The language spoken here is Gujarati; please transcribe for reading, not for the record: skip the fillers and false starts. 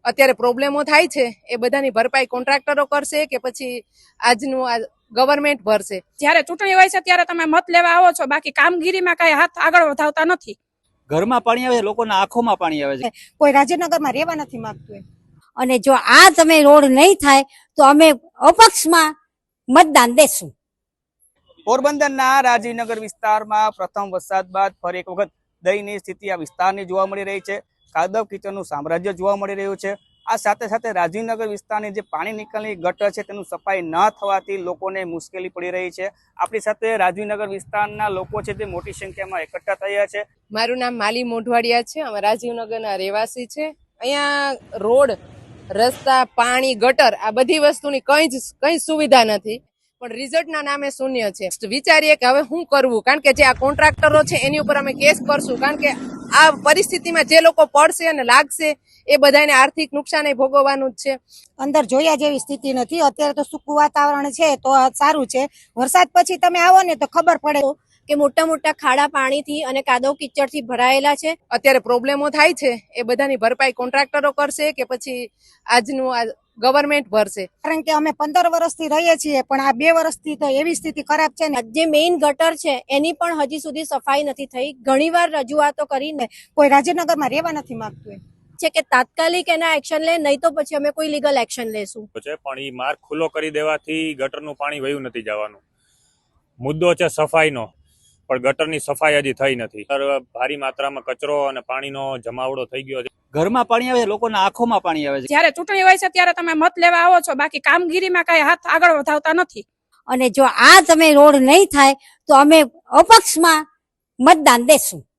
અત્યારે પ્રોબ્લેમો થાય છે એ બધાની ભરપાઈ કોન્ટ્રાક્ટરો કરશે કે પછી આજનું આ ગવર્મેન્ટ ભરશે? જ્યારે ચૂંટણી હોય છે ત્યારે તમે મત લેવા આવો છો, બાકી કામગીરીમાં કઈ હાથ આગળ વધાવતા નથી. ઘરમાં પાણી આવે છે, લોકોના આંખોમાં પાણી આવે છે. કોઈ રાજનગરમાં રહેવા નથી માંગતું. અને જો આ તમે રોડ નહીં થાય તો અમે અપક્ષમાં મતદાન દેશું. પોરબંદરના રાજીવનગર વિસ્તારમાં પ્રથમ વરસાદ બાદ ફરી એક વખત દયનીય સ્થિતિ આ વિસ્તારની જોવા મળી રહી છે. કાદવ કીચડનું સામ્રાજ્ય જોવા મળી રહ્યું છે. આ સાથે સાથે રાજીવનગર વિસ્તારની જે પાણી નિકાલની ગટર છે તેનું સફાઈ ન થવાથી લોકોને મુશ્કેલી પડી રહી છે. આપણી સાથે રાજીવનગર વિસ્તારના લોકો છે તે મોટી સંખ્યામાં એકઠા થયા છે. મારું નામ માલી મોઢવાડિયા છે, અમે રાજીવનગરના રહેવાસી છે. અહીંયા રોડ, રસ્તા, પાણી, ગટર આ બધી વસ્તુની કઈ સુવિધા નથી, પણ રિઝલ્ટના નામે શૂન્ય છે. વિચારીએ કે હવે શું કરવું, કારણ કે જે આ કોન્ટ્રાક્ટરો છે એની ઉપર અમે કેસ કરશું, કારણ કે આ પરિસ્થિતિમાં જે લોકો પડશે અને લાગશે એ બધાને આર્થિક નુકસાન ભોગવવાનું જ છે. અંદર જોયા જેવી સ્થિતિ નથી. અત્યારે તો સૂકું વાતાવરણ છે તો સારું છે. વરસાદ પછી તમે આવો ને તો ખબર પડે કે મોટા મોટા ખાડા પાણીથી અને કાદવ કિચડથી ભરાયેલા છે. અત્યારે પ્રોબ્લેમો થાય છે એ બધાની ભરપાઈ કોન્ટ્રાક્ટરો કરશે કે પછી આજનું આ ગવર્મેન્ટ ભરશે? કારણ કે અમે 15 વર્ષથી રહીએ છીએ, પણ આ 2 વર્ષથી તો એવી સ્થિતિ ખરાબ છે ને. જે મેઇન ગટર છે એની પણ હજી સુધી સફાઈ નથી થઈ. ઘણીવાર રજૂઆતો કરીને કોઈ રાજનગરમાં રહેવા નથી માંગતું છે કે તાત્કાલિક એના એક્શન લે, નહીં તો પછી અમે કોઈ લીગલ એક્શન લેશું. પણ એ માર્ગ ખુલ્લો કરી દેવાથી ગટરનું પાણી વયું નથી જવાનું. મુદ્દો છે સફાઈનો, પણ ગટરની સફાઈ હજી થઈ નથી. ભારી માત્રામાં કચરો અને પાણીનો જમાવડો થઈ ગયો છે. ઘરમાં પાણી આવે છે, લોકોના આંખોમાં પાણી આવે છે. જ્યારે ચૂંટણી હોય છે ત્યારે તમે મત લેવા આવો છો, બાકી કામગીરીમાં કઈ હાથ આગળ વધાવતા નથી. અને જો આ તમે રોડ નહીં થાય તો અમે અપક્ષમાં મતદાન દેશું.